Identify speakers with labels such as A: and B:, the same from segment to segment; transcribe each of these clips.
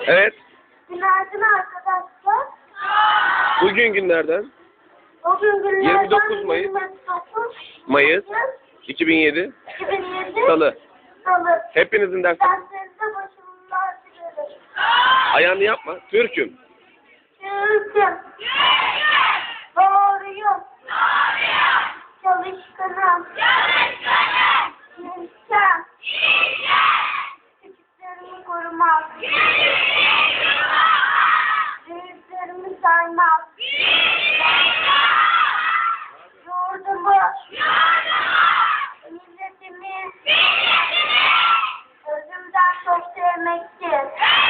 A: Evet.
B: Günaydın arkadaşlar.
A: Bugün günlerden
B: Bugün günlerden
A: 29 Mayıs
B: 29
A: 2007
B: 2007
A: Salı.
B: Salı.
A: Hepinizin dersi.
B: Derslerinize başarılar dilerim.
A: Ayağını yapma. Türk'üm.
B: Türk'üm. Doğruyum. Çalışkanım. İlkem. Küçüklerimi korumam. Büyüklerimi saymam. Yurdumu. Milletimi. Özümden çok sevmektir.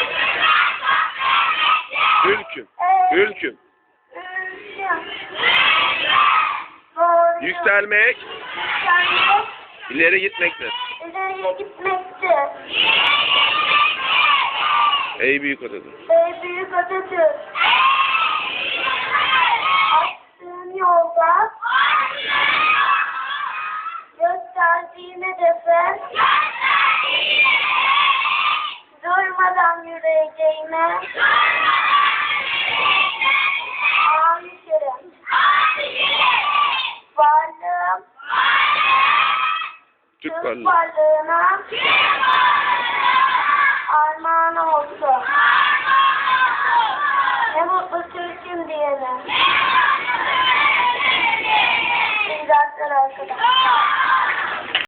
A: Türk'üm. Ülküm.
B: Ülküm. Doğruyum.
A: Yükselmek,
B: Yükselmek.
A: ileri gitmektir.
B: İleriye gitmektir.
A: Ey büyük Atatürk.
B: Ey büyük Atatürk. Attığın yolda gösterdiğin hedefe durmadan yürüyeceğime aşığım. Varlığım
A: Türk
B: Türk
A: varlığı.
B: varlığına armağan olsun. Ne mutlu Türk'üm diyene. İyi dersler arkadaşlar.